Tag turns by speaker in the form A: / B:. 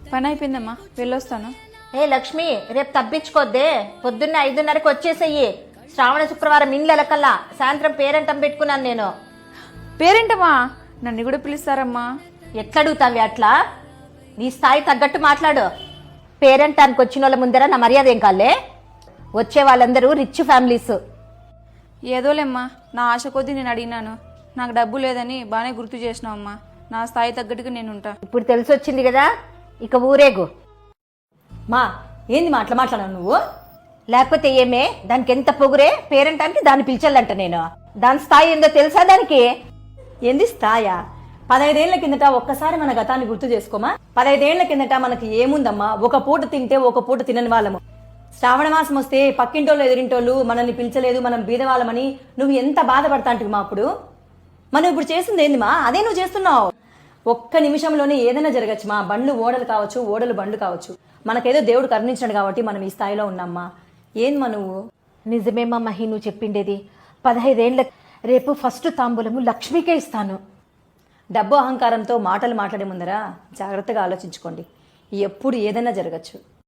A: పని అయిపోయిందమ్మా, వెళ్ళొస్తాను.
B: ఏ లక్ష్మి, రేపు తప్పించుకోద్దే. పొద్దున్న 5:30కి వచ్చేసేయి. శ్రావణ శుక్రవారం ఇండ్లకల్లా సాయంత్రం పేరెంటం పెట్టుకున్నాను నేను.
A: పేరేంటమ్మా? నన్ను కూడా పిలుస్తారమ్మా.
B: ఎట్లడుగుతావి అట్లా? నీ స్థాయి తగ్గట్టు మాట్లాడు. పేరెంటానికి వచ్చిన వాళ్ళ ముందర నా మర్యాద ఏం కాలే? వచ్చే వాళ్ళందరూ రిచ్ ఫ్యామిలీస్.
A: ఏదోలేమ్మా, నా ఆశ కొద్దీ నేను అడిగినాను. నాకు డబ్బు లేదని బాగానే గుర్తు చేసినావమ్మా. నా స్థాయి తగ్గట్టుగా నేను ఉంటా.
B: ఇప్పుడు తెలిసి వచ్చింది కదా, ఇక ఊరేగు.
C: మా ఏంది మా అట్లా మాట్లాడావు నువ్వు?
B: లేకపోతే ఏమే, దానికి ఎంత పొగురే? పేరెంటానికి దాన్ని పిలిచాలంట నేను. దాని స్థాయి ఏందో తెలుసా దానికి?
C: ఏంది స్థాయా? 15 ఏళ్ల కిందట ఒక్కసారి మన గతాన్ని గుర్తు చేసుకోమా. 15 ఏళ్ల కిందట మనకి ఏముందమ్మా? ఒక పూట తింటే ఒక పూట తినని వాళ్ళము. శ్రావణ మాసం వస్తే పక్కింటోళ్ళు ఎదురింటోళ్ళు మనల్ని పిలిచలేదు, మనం బీదవాళ్ళమని నువ్వు ఎంత బాధపడతాంటివి మా అప్పుడు. మనం ఇప్పుడు చేసింది ఏంది మా? అదే నువ్వు చేస్తున్నావు. ఒక్క నిమిషంలోనే ఏదైనా జరగచ్చు మా. బండ్లు ఓడలు కావచ్చు, ఓడలు బండ్లు కావచ్చు. మనకేదో దేవుడు కరుణించాడు కాబట్టి మనం ఈ స్థాయిలో ఉన్నామ్మా. ఏంది మా నువ్వు?
B: నిజమేమా మహి నువ్వు చెప్పిండేది. 15 ఏళ్ల రేపు ఫస్ట్ తాంబూలము లక్ష్మికే ఇస్తాను.
C: డబ్బు అహంకారంతో మాటలు మాట్లాడే ముందరా జాగ్రత్తగా ఆలోచించుకోండి. ఎప్పుడు ఏదైనా జరగచ్చు.